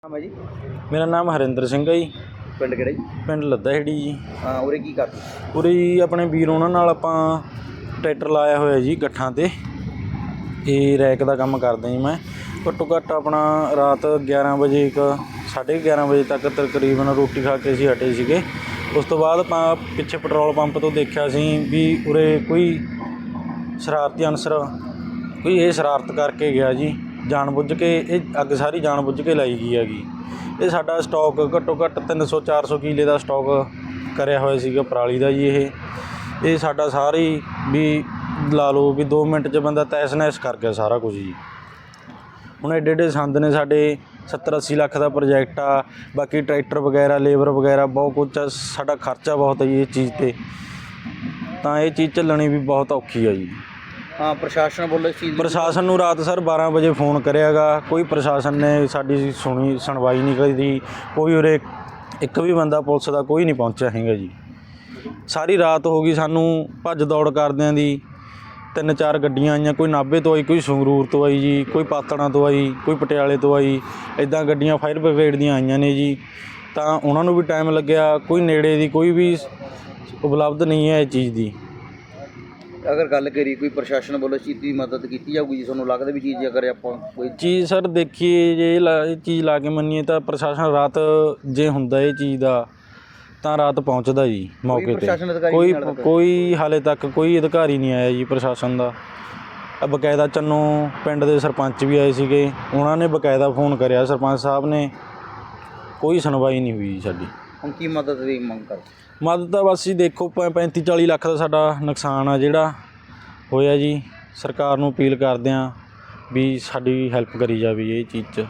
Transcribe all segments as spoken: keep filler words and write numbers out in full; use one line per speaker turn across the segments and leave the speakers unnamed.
ਨਾਮ ਹੈ ਜੀ?
ਮੇਰਾ ਨਾਮ ਹਰਿੰਦਰ ਸਿੰਘ ਹੈ ਜੀ।
ਪਿੰਡ ਕਿਹੜਾ ਜੀ?
ਪਿੰਡ ਲੱਦਾਹੇੜੀ ਜੀ।
ਹਾਂ, ਉਰੇ ਕੀ ਕਰਦੇ?
ਉਰੇ ਜੀ ਆਪਣੇ ਵੀਰ ਉਹਨਾਂ ਨਾਲ ਆਪਾਂ ਟਰੈਕਟਰ ਲਾਇਆ ਹੋਇਆ ਜੀ ਗੱਠਾਂ 'ਤੇ। ਇਹ ਰੈਕ ਦਾ ਕੰਮ ਕਰਦਾ ਜੀ ਮੈਂ। ਘੱਟੋ ਘੱਟ ਆਪਣਾ ਰਾਤ ਗਿਆਰਾਂ ਵਜੇ ਇੱਕ ਸਾਢੇ ਗਿਆਰਾਂ ਵਜੇ ਤੱਕ ਤਕਰੀਬਨ ਰੋਟੀ ਖਾ ਕੇ ਅਸੀਂ ਹਟੇ ਸੀਗੇ। ਉਸ ਤੋਂ ਬਾਅਦ ਆਪਾਂ ਪਿੱਛੇ ਪੈਟਰੋਲ ਪੰਪ ਤੋਂ ਦੇਖਿਆ ਸੀ ਵੀ ਉਰੇ ਕੋਈ ਸ਼ਰਾਰਤੀ ਅਨਸਰ ਕੋਈ ਇਹ ਸ਼ਰਾਰਤ ਕਰਕੇ ਗਿਆ ਜੀ, ਜਾਣ ਬੁੱਝ ਕੇ ਇਹ ਅੱਗ ਸਾਰੀ ਜਾਣ ਬੁੱਝ ਕੇ ਲਾਈ ਗਈ ਹੈਗੀ। ਇਹ ਸਾਡਾ ਸਟਾਕ ਘੱਟੋ ਘੱਟ ਤਿੰਨ ਸੌ ਚਾਰ ਸੌ ਕਿੱਲੇ ਦਾ ਸਟਾਕ ਕਰਿਆ ਹੋਇਆ ਸੀਗਾ ਪਰਾਲੀ ਦਾ ਜੀ। ਇਹ ਇਹ ਸਾਡਾ ਸਾਰੀ ਵੀ ਲਾ ਲਓ ਵੀ ਦੋ ਮਿੰਟ 'ਚ ਬੰਦਾ ਤਹਿਸ ਨਹਿਸ ਕਰ ਗਿਆ ਸਾਰਾ ਕੁਝ ਜੀ। ਹੁਣ ਐਡੇ ਐਡੇ ਸੰਦ ਨੇ ਸਾਡੇ, ਸੱਤਰ ਅੱਸੀ ਲੱਖ ਦਾ ਪ੍ਰੋਜੈਕਟ ਆ, ਬਾਕੀ ਟਰੈਕਟਰ ਵਗੈਰਾ ਲੇਬਰ ਵਗੈਰਾ ਬਹੁਤ ਕੁਛ ਆ, ਸਾਡਾ ਖਰਚਾ ਬਹੁਤ ਹੈ ਜੀ ਇਸ ਚੀਜ਼ 'ਤੇ। ਤਾਂ ਇਹ ਚੀਜ਼ ਚੱਲਣੀ ਵੀ ਬਹੁਤ ਔਖੀ ਆ ਜੀ।
ਹਾਂ, ਪ੍ਰਸ਼ਾਸਨ ਵੱਲੋਂ ਇਸ ਚੀਜ਼
ਪ੍ਰਸ਼ਾਸਨ ਨੂੰ ਰਾਤ ਸਰ ਬਾਰਾਂ ਵਜੇ ਫੋਨ ਕਰਿਆ ਗਾ, ਕੋਈ ਪ੍ਰਸ਼ਾਸਨ ਨੇ ਸਾਡੀ ਸੁਣੀ ਸੁਣਵਾਈ ਨਹੀਂ ਕਰੀ। ਕੋਈ ਉਰੇ ਇੱਕ ਵੀ ਬੰਦਾ ਪੁਲਿਸ ਦਾ ਕੋਈ ਨਹੀਂ ਪਹੁੰਚਿਆ ਹੈਗਾ ਜੀ। ਸਾਰੀ ਰਾਤ ਹੋ ਗਈ ਸਾਨੂੰ ਭੱਜ ਦੌੜ ਕਰਦਿਆਂ ਦੀ। ਤਿੰਨ ਚਾਰ ਗੱਡੀਆਂ ਆਈਆਂ, ਕੋਈ ਨਾਭੇ ਤੋਂ ਆਈ, ਕੋਈ ਸੰਗਰੂਰ ਤੋਂ ਆਈ ਜੀ, ਕੋਈ ਪਾਤੜਾਂ ਤੋਂ ਆਈ, ਕੋਈ ਪਟਿਆਲੇ ਤੋਂ ਆਈ। ਇੱਦਾਂ ਗੱਡੀਆਂ ਫਾਇਰ ਬ੍ਰਿਗੇਡ ਦੀਆਂ ਆਈਆਂ ਨੇ ਜੀ। ਤਾਂ ਉਹਨਾਂ ਨੂੰ ਵੀ ਟਾਈਮ ਲੱਗਿਆ। ਕੋਈ ਨੇੜੇ ਦੀ ਕੋਈ ਵੀ ਉਪਲਬਧ ਨਹੀਂ ਹੈ ਇਹ ਚੀਜ਼ ਦੀ।
ਅਗਰ ਗੱਲ ਕਰੀ ਕੋਈ ਪ੍ਰਸ਼ਾਸਨ ਵੱਲੋਂ ਇਸ ਚੀਜ਼ ਦੀ ਮਦਦ ਕੀਤੀ ਜਾਊਗੀ ਜੀ? ਤੁਹਾਨੂੰ ਲੱਗਦਾ ਵੀ ਚੀਜ਼ ਅਗਰ ਆਪਾਂ ਕੋਈ
ਚੀਜ਼ ਸਰ ਦੇਖੀਏ ਜੇ ਇਹ ਲਾ ਇਹ ਚੀਜ਼ ਲਾ ਕੇ ਮੰਨੀਏ ਤਾਂ ਪ੍ਰਸ਼ਾਸਨ ਰਾਤ ਜੇ ਹੁੰਦਾ ਇਹ ਚੀਜ਼ ਦਾ ਤਾਂ ਰਾਤ ਪਹੁੰਚਦਾ ਜੀ ਮੌਕੇ 'ਤੇ। ਕੋਈ ਕੋਈ ਹਾਲੇ ਤੱਕ ਕੋਈ ਅਧਿਕਾਰੀ ਨਹੀਂ ਆਇਆ ਜੀ ਪ੍ਰਸ਼ਾਸਨ ਦਾ। ਬਕਾਇਦਾ ਚੰਨੋ ਪਿੰਡ ਦੇ ਸਰਪੰਚ ਵੀ ਆਏ ਸੀਗੇ, ਉਹਨਾਂ ਨੇ ਬਕਾਇਦਾ ਫੋਨ ਕਰਿਆ ਸਰਪੰਚ ਸਾਹਿਬ ਨੇ, ਕੋਈ ਸੁਣਵਾਈ ਨਹੀਂ ਹੋਈ ਸਾਡੀ।
ਹੁਣ ਕੀ ਮਦਦ ਦੀ ਮੰਗ ਕਰ?
ਮਦਦ ਤਾਂ ਬਸ ਜੀ ਦੇਖੋ ਪੈਂਤੀ ਚਾਲੀ ਲੱਖ ਦਾ ਸਾਡਾ ਨੁਕਸਾਨ ਆ ਜਿਹੜਾ ਹੋਇਆ ਜੀ। ਸਰਕਾਰ ਨੂੰ ਅਪੀਲ ਕਰਦੇ ਹਾਂ ਵੀ ਸਾਡੀ ਹੈਲਪ ਕਰੀ ਜਾਵੇ ਇਹ ਚੀਜ਼ 'ਚ।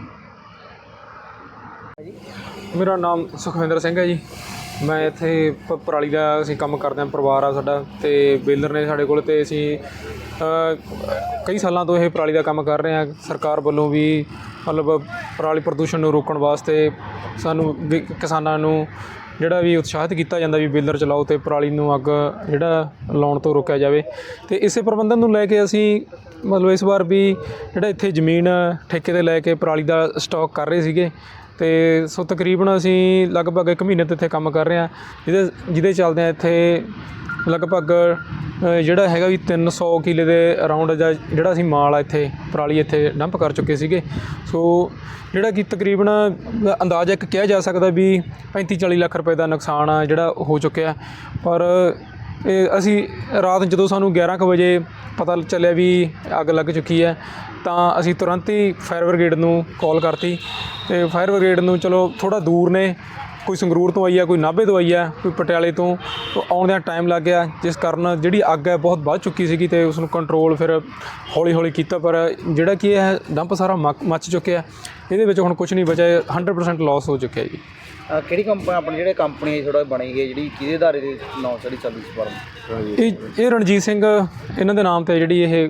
ਮੇਰਾ ਨਾਮ ਸੁਖਵਿੰਦਰ ਸਿੰਘ ਹੈ ਜੀ। ਮੈਂ ਇੱਥੇ ਪ ਪਰਾਲੀ ਦਾ ਅਸੀਂ ਕੰਮ ਕਰਦੇ ਹਾਂ, ਪਰਿਵਾਰ ਆ ਸਾਡਾ, ਅਤੇ ਬੇਲਰ ਨੇ ਸਾਡੇ ਕੋਲ, ਅਤੇ ਅਸੀਂ ਕਈ ਸਾਲਾਂ ਤੋਂ ਇਹ ਪਰਾਲੀ ਦਾ ਕੰਮ ਕਰ ਰਹੇ ਹਾਂ। ਸਰਕਾਰ ਵੱਲੋਂ ਵੀ ਮਤਲਬ ਪਰਾਲੀ ਪ੍ਰਦੂਸ਼ਣ ਨੂੰ ਰੋਕਣ ਵਾਸਤੇ ਸਾਨੂੰ ਵੀ ਕਿਸਾਨਾਂ ਨੂੰ ਜਿਹੜਾ ਵੀ ਉਤਸ਼ਾਹਿਤ ਕੀਤਾ ਜਾਂਦਾ ਵੀ ਬੇਲਰ ਚਲਾਓ ਅਤੇ ਪਰਾਲੀ ਨੂੰ ਅੱਗ ਜਿਹੜਾ ਲਾਉਣ ਤੋਂ ਰੋਕਿਆ ਜਾਵੇ। ਅਤੇ ਇਸੇ ਪ੍ਰਬੰਧਨ ਨੂੰ ਲੈ ਕੇ ਅਸੀਂ ਮਤਲਬ ਇਸ ਵਾਰ ਵੀ ਜਿਹੜਾ ਇੱਥੇ ਜ਼ਮੀਨ ਠੇਕੇ 'ਤੇ ਲੈ ਕੇ ਪਰਾਲੀ ਦਾ ਸਟਾਕ ਕਰ ਰਹੇ ਸੀਗੇ। ਅਤੇ ਸੋ ਤਕਰੀਬਨ ਅਸੀਂ ਲਗਭਗ ਇੱਕ ਮਹੀਨੇ ਤੋਂ ਇੱਥੇ ਕੰਮ ਕਰ ਰਹੇ ਹਾਂ, ਜਿਹਦੇ ਜਿਹਦੇ ਚੱਲਦਿਆਂ ਇੱਥੇ ਲਗਭਗ ਜਿਹੜਾ ਹੈਗਾ ਵੀ ਤਿੰਨ ਸੌ ਕਿੱਲੇ ਦੇ ਅਰਾਊਂਡ ਦਾ ਜਿਹੜਾ ਅਸੀਂ ਮਾਲ ਆ ਇੱਥੇ ਪਰਾਲੀ ਇੱਥੇ ਡੰਪ ਕਰ ਚੁੱਕੇ ਸੀਗੇ। ਸੋ ਜਿਹੜਾ ਕਿ ਤਕਰੀਬਨ ਅੰਦਾਜ਼ਾ ਇੱਕ ਕਿਹਾ ਜਾ ਸਕਦਾ ਵੀ ਪੈਂਤੀ ਚਾਲੀ ਲੱਖ ਰੁਪਏ ਦਾ ਨੁਕਸਾਨ ਆ ਜਿਹੜਾ ਹੋ ਚੁੱਕਿਆ। ਪਰ ਇਹ ਅਸੀਂ ਰਾਤ ਜਦੋਂ ਸਾਨੂੰ ਗਿਆਰਾਂ ਕੁ ਵਜੇ ਪਤਾ ਚੱਲਿਆ ਵੀ ਅੱਗ ਲੱਗ ਚੁੱਕੀ ਹੈ ਤਾਂ ਅਸੀਂ ਤੁਰੰਤ ਹੀ ਫਾਇਰ ਬ੍ਰਿਗੇਡ ਨੂੰ ਕਾਲ ਕਰਤੀ। ਅਤੇ ਫਾਇਰ ਬ੍ਰਿਗੇਡ ਨੂੰ ਚਲੋ ਥੋੜ੍ਹਾ ਦੂਰ ਨੇ, ਕੋਈ ਸੰਗਰੂਰ ਤੋਂ ਆਈ ਆ, ਕੋਈ ਨਾਭੇ ਤੋਂ ਆਈ ਆ, ਕੋਈ ਪਟਿਆਲੇ ਤੋਂ, ਆਉਂਦਿਆਂ ਟਾਈਮ ਲੱਗ ਗਿਆ, ਜਿਸ ਕਾਰਨ ਜਿਹੜੀ ਅੱਗ ਹੈ ਬਹੁਤ ਵੱਧ ਚੁੱਕੀ ਸੀਗੀ ਅਤੇ ਉਸ ਨੂੰ ਕੰਟਰੋਲ ਫਿਰ ਹੌਲੀ ਹੌਲੀ ਕੀਤਾ। ਪਰ ਜਿਹੜਾ ਕਿ ਇਹ ਡੰਪ ਸਾਰਾ ਮੱਕ ਮੱਚ ਚੁੱਕਿਆ, ਇਹਦੇ ਵਿੱਚ ਹੁਣ ਕੁਛ ਨਹੀਂ ਬਚਿਆ, ਹੰਡਰਡ ਪਰਸੈਂਟ ਲੋਸ ਹੋ ਚੁੱਕਿਆ ਜੀ।
ਕਿਹੜੀ ਕੰਪਨੀ ਆਪਣੀ ਜਿਹੜੇ ਕੰਪਨੀ ਥੋੜ੍ਹਾ ਬਣੀ ਗਈ ਜਿਹੜੀ ਕਿਹਦੇ ਅਦਾਰੇ ਦੇ ਨਾਂ ਸਾਡੀ ਚੱਲਦੀ ਸੀ ਫਰਮ?
ਇਹ ਇਹ ਰਣਜੀਤ ਸਿੰਘ ਇਹਨਾਂ ਦੇ ਨਾਮ 'ਤੇ ਜਿਹੜੀ ਇਹ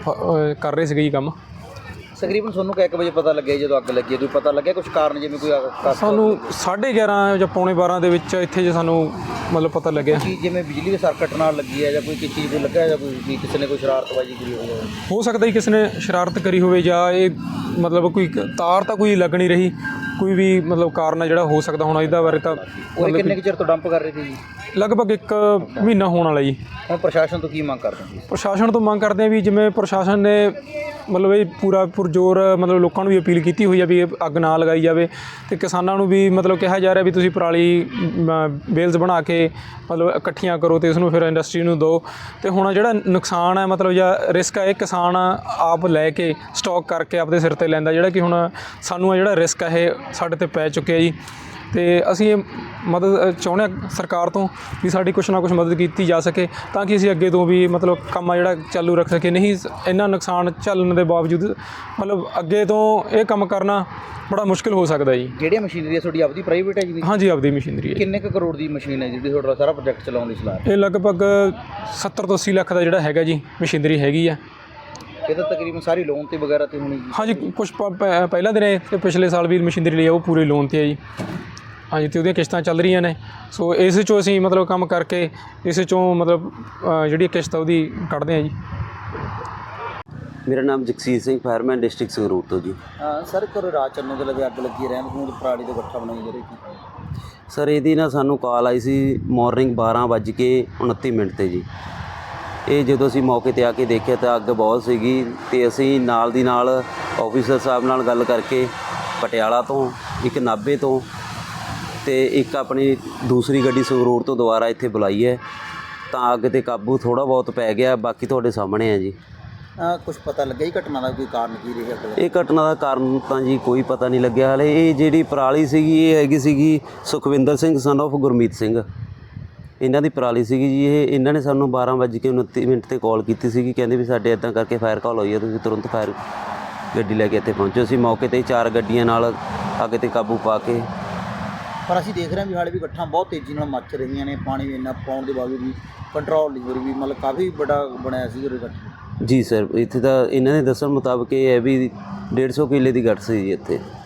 ਕਰ ਰਹੇ ਸੀਗੇ ਜੀ ਕੰਮ।
ਤਕਰੀਬਨ ਤੁਹਾਨੂੰ ਕਿ ਇੱਕ ਵਜੇ ਪਤਾ ਲੱਗਿਆ ਜਦੋਂ ਅੱਗ ਲੱਗੀ? ਕੋਈ ਪਤਾ ਲੱਗਿਆ ਕੁਛ ਕਾਰਨ, ਜਿਵੇਂ ਕੋਈ
ਸਾਨੂੰ ਸਾਢੇ ਗਿਆਰਾਂ ਜਾਂ ਪੌਣੇ ਬਾਰਾਂ ਦੇ ਵਿੱਚ ਇੱਥੇ ਜੇ ਸਾਨੂੰ ਮਤਲਬ ਪਤਾ ਲੱਗਿਆ
ਕਿ ਜਿਵੇਂ ਬਿਜਲੀ ਦੇ ਸਰਕਟ ਨਾਲ ਲੱਗੀ ਹੈ ਜਾਂ ਕੋਈ ਕਿਸੇ ਚੀਜ਼ ਦੇ ਲੱਗਾ ਜਾਂ ਕੋਈ ਵੀ ਕਿਸੇ ਨੇ ਕੋਈ ਸ਼ਰਾਰਤਬਾਜ਼ੀ ਕਰੀ ਹੋਵੇ?
ਹੋ ਸਕਦਾ ਜੀ ਕਿਸੇ ਨੇ ਸ਼ਰਾਰਤ ਕਰੀ ਹੋਵੇ ਜਾਂ ਇਹ ਮਤਲਬ ਕੋਈ ਤਾਰ ਤਾਂ ਕੋਈ ਲੱਗ ਨਹੀਂ ਰਹੀ, ਕੋਈ ਵੀ ਮਤਲਬ ਕਾਰਨ ਹੈ ਜਿਹੜਾ ਹੋ ਸਕਦਾ। ਹੁਣ ਇਹਦਾ ਬਾਰੇ ਤਾਂ
ਉਹ ਕਿੰਨੇ ਕੁ ਚਿਰ ਤੋਂ ਡੰਪ ਕਰ ਰਹੇ ਸੀ ਜੀ?
ਲਗਭਗ ਇੱਕ ਮਹੀਨਾ ਹੋਣ ਵਾਲਾ ਜੀ।
ਹੁਣ ਪ੍ਰਸ਼ਾਸਨ ਤੋਂ ਕੀ ਮੰਗ ਕਰਦੇ ਹੋ?
ਪ੍ਰਸ਼ਾਸਨ ਤੋਂ ਮੰਗ ਕਰਦੇ ਹਾਂ ਵੀ ਜਿਵੇਂ ਪ੍ਰਸ਼ਾਸਨ ਨੇ ਮਤਲਬ ਇਹ ਪੂਰਾ ਪੁਰਜ਼ੋਰ ਮਤਲਬ ਲੋਕਾਂ ਨੂੰ ਵੀ ਅਪੀਲ ਕੀਤੀ ਹੋਈ ਆ ਵੀ ਇਹ ਅੱਗ ਨਾ ਲਗਾਈ ਜਾਵੇ, ਅਤੇ ਕਿਸਾਨਾਂ ਨੂੰ ਵੀ ਮਤਲਬ ਕਿਹਾ ਜਾ ਰਿਹਾ ਵੀ ਤੁਸੀਂ ਪਰਾਲੀ ਬੇਲਸ ਬਣਾ ਕੇ ਮਤਲਬ ਇਕੱਠੀਆਂ ਕਰੋ ਅਤੇ ਇਸ ਨੂੰ ਫਿਰ ਇੰਡਸਟਰੀ ਨੂੰ ਦਿਓ। ਅਤੇ ਹੁਣ ਜਿਹੜਾ ਨੁਕਸਾਨ ਹੈ ਮਤਲਬ ਜਾਂ ਰਿਸਕ ਹੈ ਇਹ ਕਿਸਾਨ ਆਪ ਲੈ ਕੇ ਸਟਾਕ ਕਰਕੇ ਆਪਦੇ ਸਿਰ 'ਤੇ ਲੈਂਦਾ, ਜਿਹੜਾ ਕਿ ਹੁਣ ਸਾਨੂੰ ਜਿਹੜਾ ਰਿਸਕ ਹੈ ਇਹ ਸਾਡੇ 'ਤੇ ਪੈ ਚੁੱਕਿਆ ਜੀ। ਅਤੇ ਅਸੀਂ ਇਹ ਮਦਦ ਚਾਹੁੰਦੇ ਹਾਂ ਸਰਕਾਰ ਤੋਂ ਵੀ ਸਾਡੀ ਕੁਛ ਨਾ ਕੁਛ ਮਦਦ ਕੀਤੀ ਜਾ ਸਕੇ ਤਾਂ ਕਿ ਅਸੀਂ ਅੱਗੇ ਤੋਂ ਵੀ ਮਤਲਬ ਕੰਮ ਆ ਜਿਹੜਾ ਚਾਲੂ ਰੱਖ ਸਕੇ। ਨਹੀਂ ਇੰਨਾ ਨੁਕਸਾਨ ਝੱਲਣ ਦੇ ਬਾਵਜੂਦ ਮਤਲਬ ਅੱਗੇ ਤੋਂ ਇਹ ਕੰਮ ਕਰਨਾ ਬੜਾ ਮੁਸ਼ਕਿਲ ਹੋ ਸਕਦਾ ਜੀ।
ਜਿਹੜੀਆਂ ਮਸ਼ੀਨਰੀ ਹੈ ਤੁਹਾਡੀ ਆਪਦੀ ਪ੍ਰਾਈਵੇਟ ਹੈ ਜੀ?
ਹਾਂਜੀ, ਆਪਦੀ ਮਸ਼ੀਨਰੀ ਹੈ।
ਕਿੰਨੇ ਕੁ ਕਰੋੜ ਦੀ ਮਸ਼ੀਨ ਹੈ ਜਿਹੜੀ ਤੁਹਾਡਾ ਸਾਰਾ ਪ੍ਰੋਜੈਕਟ ਚਲਾਉਣ ਦੀ ਸਲਾਹ?
ਇਹ ਲਗਭਗ ਸੱਤਰ ਤੋਂ ਅੱਸੀ ਲੱਖ ਦਾ ਜਿਹੜਾ ਹੈਗਾ ਜੀ ਮਸ਼ੀਨਰੀ ਹੈਗੀ ਆ।
ਇਹ ਤਾਂ ਤਕਰੀਬਨ ਸਾਰੀ ਲੋਨ 'ਤੇ ਵਗੈਰਾ 'ਤੇ ਹੋਣੀ ਜੀ? ਹਾਂਜੀ,
ਕੁਛ ਪਹਿਲਾਂ ਦੇ ਨੇ ਅਤੇ ਪਿਛਲੇ ਸਾਲ ਵੀ ਮਸ਼ੀਨਰੀ ਲਈ ਉਹ ਪੂਰੇ ਲੋਨ 'ਤੇ ਹੈ ਜੀ। ਹਾਂਜੀ, ਅਤੇ ਉਹਦੀਆਂ ਕਿਸ਼ਤਾਂ ਚੱਲ ਰਹੀਆਂ ਨੇ। ਸੋ ਇਸ 'ਚੋਂ ਅਸੀਂ ਮਤਲਬ ਕੰਮ ਕਰਕੇ ਇਸ 'ਚੋਂ ਮਤਲਬ ਜਿਹੜੀ ਕਿਸ਼ਤ ਉਹਦੀ ਕੱਢਦੇ ਹਾਂ ਜੀ।
ਮੇਰਾ ਨਾਮ ਜਗਸੀਰ ਸਿੰਘ, ਫਾਇਰਮੈਨ, ਡਿਸਟ੍ਰਿਕਟ ਸੰਗਰੂਰ ਤੋਂ ਜੀ।
ਸਰ ਘਰ ਰਾਤ ਚੰਨੋ ਦੇ ਲਵੇ ਅੱਗ ਲੱਗੀ ਰਹਿਣ ਨੂੰ ਪਰਾਲੀ ਦੇ ਗੱਠਾ ਬਣਾਈ ਜਾ ਰਹੀ ਸੀ।
ਸਰ ਇਹਦੀ ਨਾ ਸਾਨੂੰ ਕਾਲ ਆਈ ਸੀ ਮਾਰਨਿੰਗ ਬਾਰਾਂ ਵੱਜ ਕੇ ਉਨੱਤੀ ਮਿੰਟ 'ਤੇ ਜੀ। ਇਹ ਜਦੋਂ ਅਸੀਂ ਮੌਕੇ 'ਤੇ ਆ ਕੇ ਦੇਖਿਆ ਤਾਂ ਅੱਗ ਬਹੁਤ ਸੀਗੀ ਅਤੇ ਅਸੀਂ ਨਾਲ ਦੀ ਨਾਲ ਆਫੀਸਰ ਸਾਹਿਬ ਨਾਲ ਗੱਲ ਕਰਕੇ ਪਟਿਆਲਾ ਤੋਂ, ਇੱਕ ਨਾਭੇ ਤੋਂ ਅਤੇ ਇੱਕ ਆਪਣੀ ਦੂਸਰੀ ਗੱਡੀ ਸੰਗਰੂਰ ਤੋਂ ਦੁਬਾਰਾ ਇੱਥੇ ਬੁਲਾਈ ਹੈ, ਤਾਂ ਅੱਗ 'ਤੇ ਕਾਬੂ ਥੋੜ੍ਹਾ ਬਹੁਤ ਪੈ ਗਿਆ। ਬਾਕੀ ਤੁਹਾਡੇ ਸਾਹਮਣੇ ਹੈ ਜੀ।
ਕੁਝ ਪਤਾ ਲੱਗਿਆ ਜੀ ਘਟਨਾ ਦਾ ਕੋਈ ਕਾਰਨ ਕੀ ਰਿਹਾ?
ਇਹ ਘਟਨਾ ਦਾ ਕਾਰਨ ਤਾਂ ਜੀ ਕੋਈ ਪਤਾ ਨਹੀਂ ਲੱਗਿਆ ਹਾਲੇ। ਇਹ ਜਿਹੜੀ ਪਰਾਲੀ ਸੀਗੀ ਇਹ ਹੈਗੀ ਸੀਗੀ ਸੁਖਵਿੰਦਰ ਸਿੰਘ ਸਨ ਆਫ ਗੁਰਮੀਤ ਸਿੰਘ, ਇਹਨਾਂ ਦੀ ਪਰਾਲੀ ਸੀਗੀ ਜੀ। ਇਹ ਇਹਨਾਂ ਨੇ ਸਾਨੂੰ ਬਾਰਾਂ ਵੱਜ ਕੇ ਉਨੱਤੀ ਮਿੰਟ 'ਤੇ ਕਾਲ ਕੀਤੀ ਸੀਗੀ, ਕਹਿੰਦੇ ਵੀ ਸਾਡੇ ਇੱਦਾਂ ਕਰਕੇ ਫਾਇਰ ਕਾਲ ਹੋਈ ਹੈ, ਤੁਸੀਂ ਤੁਰੰਤ ਫਾਇਰ ਗੱਡੀ ਲੈ ਕੇ ਇੱਥੇ ਪਹੁੰਚੋ। ਅਸੀਂ ਮੌਕੇ 'ਤੇ ਚਾਰ ਗੱਡੀਆਂ ਨਾਲ ਅੱਗ 'ਤੇ ਕਾਬੂ ਪਾ ਕੇ,
ਪਰ ਅਸੀਂ ਦੇਖ ਰਹੇ ਹਾਂ ਵੀ ਹਾਲੇ ਵੀ ਗੱਠਾਂ ਬਹੁਤ ਤੇਜ਼ੀ ਨਾਲ ਮੱਚ ਰਹੀਆਂ ਨੇ, ਪਾਣੀ ਵੀ ਇੰਨਾ ਪਾਉਣ ਦੇ ਬਾਵਜੂਦ ਵੀ ਕੰਟਰੋਲ ਨਹੀਂ ਹੋ ਰਹੀ, ਵੀ ਮਤਲਬ ਕਾਫੀ ਵੱਡਾ ਬਣਿਆ ਸੀ ਉਹ ਗੱਠ।
ਜੀ ਸਰ, ਇੱਥੇ ਤਾਂ ਇਹਨਾਂ ਦੇ ਦੱਸਣ ਮੁਤਾਬਕ ਇਹ ਹੈ ਵੀ ਡੇਢ ਸੌ ਕਿੱਲੇ ਦੀ ਗੱਠ ਸੀ ਜੀ ਇੱਥੇ।